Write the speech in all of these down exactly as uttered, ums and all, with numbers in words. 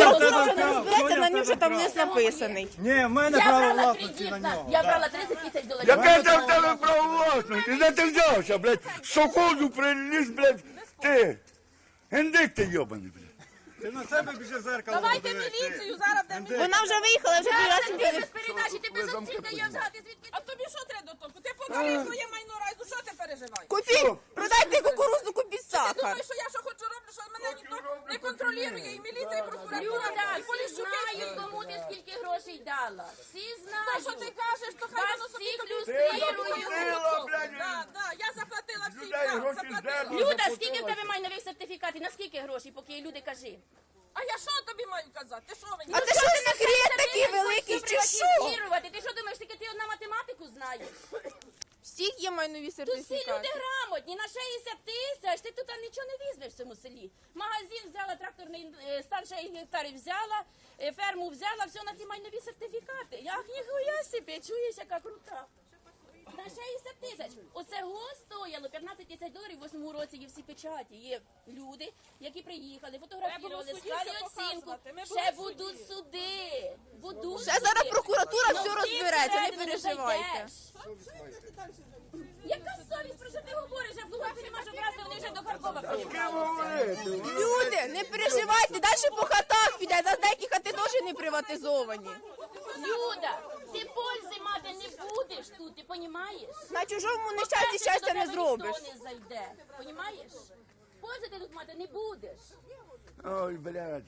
прокуратура вже не розбереться на нього, що там лист написаний. Ні, в мене Я право брала власності кредит, на на- нього. я брала тридцять тисяч доларів. Яке це в тебе право власності? Де ти взявся, блядь? З совхозу приліз, блядь, ти. Індик ти йобаний, блядь. Ти на себе біжи в зеркало. Давайте подивись, ти. міліцію, зараз де міліцію. Вона вже виїхала, вже привезли. Без передачі, ти без опцій даєш взяти звідки. А тобі що треба до того? Ти подарив своє майно райзу, що ти переживаєш? Купіть, продайте кукурудзу, купіть Ти сахар. думаєш, що я що хочу роблю, що мене ніхто не контролює, і міліція, і прокуратура, Люда, і всі поліщуки. знають, кому ти скільки грошей дала. Всі Та знають. що ти кажеш, то хай Вас воно собі всіх тобі заплатила, блядь. Да, да, я заплатила всім, Людей так, гроші заплатила. здерли. Люда, скільки в тебе майнових сертифікатів? На скільки грошей, поки є люди, кажи. А я що тобі маю казати? Ти що мені? А ти що, секрет такий великий, чи що? Приватизувати. Ти що думаєш, тільки ти одна математику знаєш? Всіх є майнові Тут всі люди сертифікати. грамотні, на шістдесят тисяч, ти тут нічого не візьмеш в цьому селі. Магазин взяла, тракторний е, стан шість гектарів взяла, е, ферму взяла, все на ці майнові сертифікати. Як ніхуя собі, чуєш, яка крута. На шістдесят тисяч. Оце го стояло п'ятнадцять тисяч доларів в восьмому році, є всі печаті. Є люди, які приїхали, фотографували, суді склали все оцінку. показувати. Ми були Ще в суді. будуть суди. Будуть Ще зараз суди. прокуратура Ну, все ти розбереться, не всередину переживайте. зайдеш. Яка совість, про що ти говориш? Я в Луганську не можу красти, вони вже до Харкова З ким приїхали. говорити? Люди, не переживайте, далі по хатах піде, на деякі хати теж не приватизовані. Люда, ти пользи мати не будеш тут, ти понімаєш? На чужому нещасті щастя не зробиш. Ніхто не зайде, понімаєш? Пользи ти тут мати не будеш. Ой, блядь.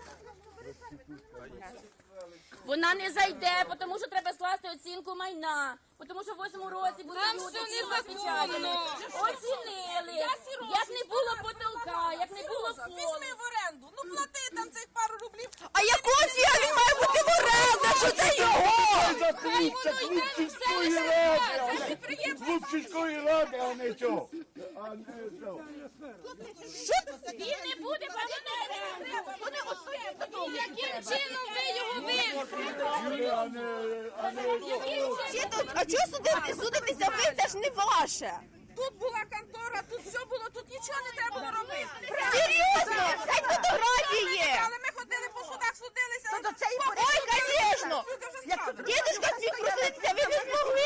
Вона не зайде, тому що треба скласти оцінку майна. Тому що в восьмому році були Там люди, все всі незаконно. розпечатали. Оцінили. Я сірожу, Як не було потолка, як не було Сережа, полу. візьми в оренду, ну плати там цих пару рублів. А якого фіга він має бути в оренді, що це його? За клуб, це клуб сільської ради. Клуб сільської ради, а не цього. А не цього. Він не буде партнером. Яким чином ви його вивели? А не, а не цього. Всі тут, а чого судити? Судитися ви, це ж не ваше. Тут була контора, тут все було, тут нічого не треба було робити. Серйозно, хай фотографії є. Але ми ходили по судах, судилися. Ой, звісно. Люди вже справді. Дідушка зміг проситися, ви не змогли?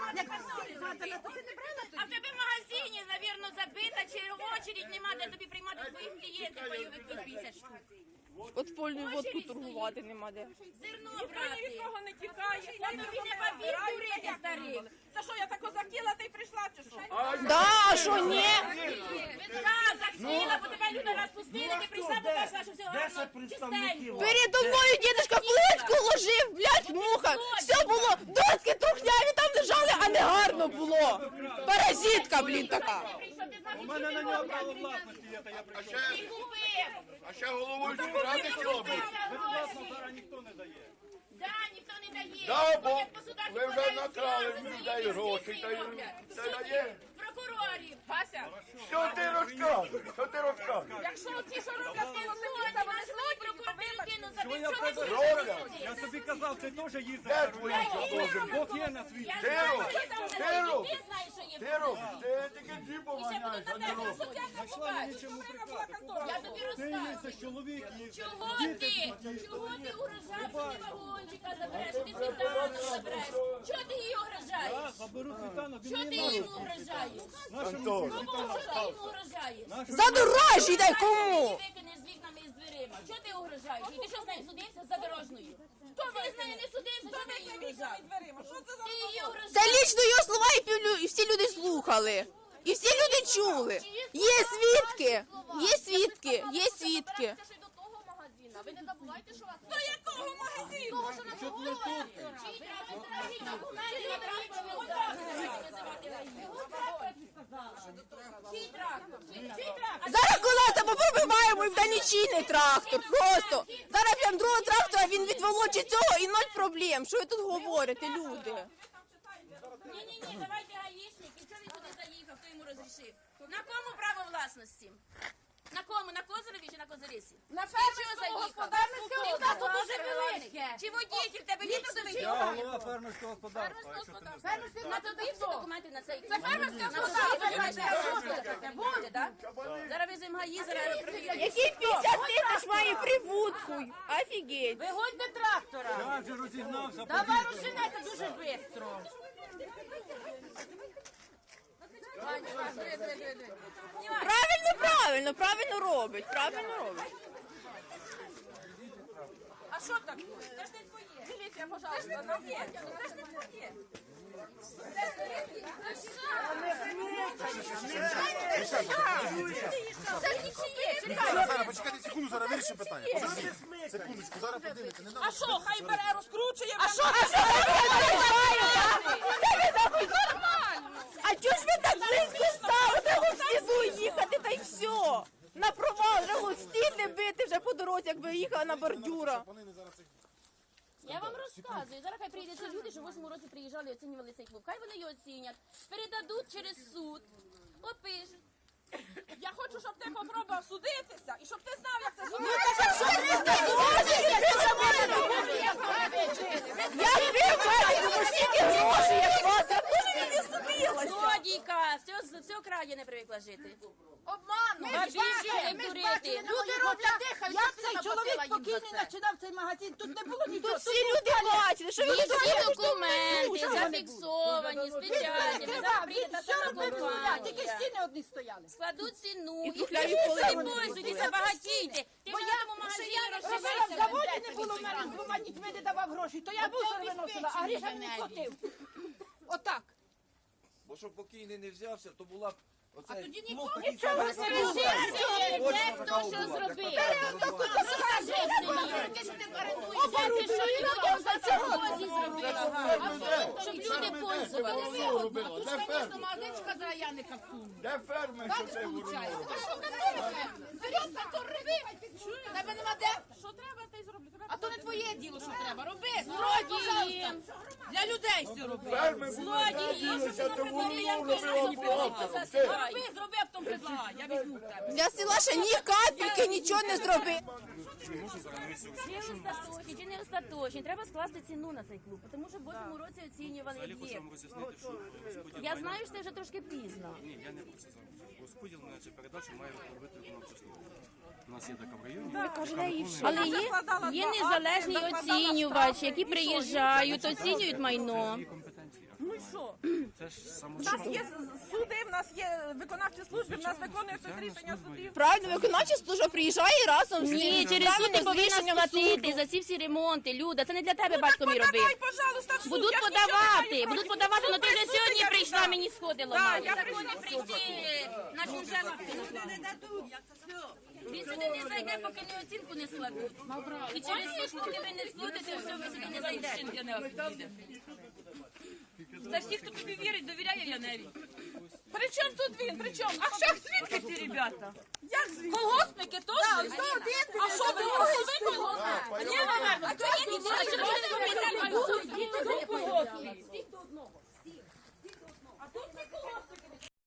А в тебе в магазині, навірно, забита, чи очередь нема, де тобі приймати твоїх клієнтів, бойових тут п'ятдесят штук. Подпольною водку торгувати нема де. Зерно Ніхто ні від брати. кого не тікає. Я тобі не папір дурити, старий. Це що, я тако захотіла, ти й прийшла, чи що? Да, а що ні? Так, захотіла, бо тебе люди розпустили, ти прийшла, побачила, що все гарно, чистенько. Передо мною дідушка плитку ложив, блядь, муха. Все було, доски трухняві там лежали, а не гарно було. Паразитка, блін, така. У мене на нього право власності є, та я прийшов. Ти купив. А ще головою ради робить. Зараз ніхто не дає. Да, ніхто не дає. Да, бо Ходять по судах і ви вже подають накрали справи за людей свої гроші, інвестиції та й роблять. це Судді, дає. прокурорів. Вася, Що ти розказуєш? Що ти розказуєш? якщо ті, що роблять, Ти то сьогодні знайшли прокуратуру кину за Що я чого ти Роля. судиш? Я тобі казав, ти теж їздив. Де твої що Бог є на світі. Я Ти знаю, роб, що там ти взагалі, роб. ти знаєш, що є. Ти робиш, ти тільки джипом І ще ганяєш, будуть а на не тебе робиш. суддя не Знайшла мені побачить. чому була прикати. контора. Я тобі Ти розказую. їздиш, чоловік їздить. Чого ти? Чого ти угрожав, що ти вагончика забереш, ти світану забереш? Чого ти її угрожаєш? Заберу Світану, він Чого ти мені йому угрожаєш? Антон, Кому що ти йому угрожаєш? За дорожі дай кому? Ти викинеш з вікнами і з дверима. Чого ти угрожаєш? І ти що з нею судився за дорожною? Хто ти з нею не судився? Чого ти її угрожаєш? дверима, що це за Ти її Це угрожаєш. лічно його слова і півлю- і всі люди слухали. І всі люди чули. Є свідки, є свідки, є свідки. Це ж і до того магазина. Ви не забувайте, що вас До якого магазину? того, що на того Чий трактор? Покажіть документи на трактор, не можна називати гаї. Чий трактор? Чий трактор? Зараз колеса попробиваємо і в нічийний трактор. Просто. Зараз прям другого трактора він відволочить цього і ноль проблем. Що ви тут говорите, люди? Ні-ні-ні, давайте гаїшник. І чого він туди заїхав, хто йому розрішив? На кому право власності? На кому? На Козиреві чи на Козирисі? На Чого фермерському заїхав? господарському Ти в нас тут дуже велике. Чи водитель, тебе є трудовий Я договір? голова фермерського господарства, якщо ти не знаєш. На тобі всі документи на цей. Це фермерське буде, так? Зараз візьмемо гаї, зараз перевіримо. Який п'ятдесят тисяч має прибутку? Офігеть. Виходьте трактора. Я вже розігнався. Давай розженете дуже швидко. Правильно, правильно, правильно робить, правильно робить. А що так? Це ж не твоє. Дивіться, пожалуйста, нам є. Це ж не твоє. Це ж нічиє. Чекай. Зараз, почекайте секунду, зараз вирішимо питання. Подожди, секундочку, зараз подивіться. Не А що, хай бере, розкручує. А що? А чого ж ви так близько стали? Треба в слізу їхати, та й все. На провал, треба стільне бити вже по дорозі, якби їхала на бордюра. Вони не зараз цих Я вам розказую. Зараз хай прийдуть ці люди, що в восьмому році приїжджали, оцінювали цей клуб. Хай вони його оцінять, передадуть через суд, опишуть. Я хочу, щоб ти попробував судитися і щоб ти знав, як це Ну, зробити. Як ви бачите, стільки грошей, як вас, я теж не судилася. Злодійка, з цього краю не привикла жити. Обману. А більше не дурити. Люди роблять дихають. Як цей чоловік покійний починав цей магазин? Тут не було нічого. Тут всі люди бачили, що ви І тут всі документи зафіксовані, з печатями. Зараз прийде та Все сама робив з нуля, тільки компанія. стіни одні стояли. Складуть ціну І і тухляві пишіть поли собі вони пользуйтеся, багатійте. Ти вже на тому магазині Робила в розживешся. заводі, не було в мене з двома дітьми, не давав гроші, то я мусор виносила, а Гріша мені платив. Отак. Бо щоб покійний не взявся, то була б оцей... А тоді Нічого не де хто що зробив. Розкажи в селі. Де ти що людям за це гості зробила? Щоб люди пользувалися. робила? Де фермер? Магазинчика за Яника всунули. Де фермер, що це воно? А що католиця? Вперед, на то роби. Тебе нема де? Що треба, ти й зроблю. А то не твоє діло, що треба. Роби. Злодії. Для людей все роби. Фермер злодіївся, то воно робило плохо. Ти. Роби, зроби, а потім предлагай. Я візьму в тебе. Для села ще ні капельки нічого не зробив. Чи остаточні, чи не остаточні. Треба скласти ціну на цей клуб, тому що в восьмому році оцінювали об'єкт. роз'яснити, що розподіл Я знаю, що це вже трошки пізно. ні, я не про це зараз. Розподіл на цю передачу має робити виконавча служба. У нас є така в районі. Але є, є незалежні оцінювачі, які приїжджають, оцінюють майно. Є компетенції. Ну і що? Це ж само У нас є суди, в нас є виконавчі служби, в нас виконується рішення судів. Правильно, виконавча служба приїжджає разом з Ні, цим через суд ти правильним повинна рішенням сплатити суду. за ці всі ремонти. Люда, це не для тебе батько мій Подавай, робив. пожалуйста, в суд. Будуть Я ж нічого не подавати, маю будуть проти. подавати, але ти вже Слухай, сьогодні я прийшла, піду. мені сходи Так, ламали. я Закони прийшла. прийти на чуже Він сюди не зайде, поки не оцінку не складуть. І через суд, поки ви не сплатите, все, ви сюди не зайдете. Та всі, хто тобі вірить, довіряє Яневі. При чому тут він? При чому? А що звідки ці ребята? Як звідки? Колгоспники теж? А що ви колгоспники? Ні, наверно. А чого ви А що ви не спеціально колгоспі? А тут не колгоспники.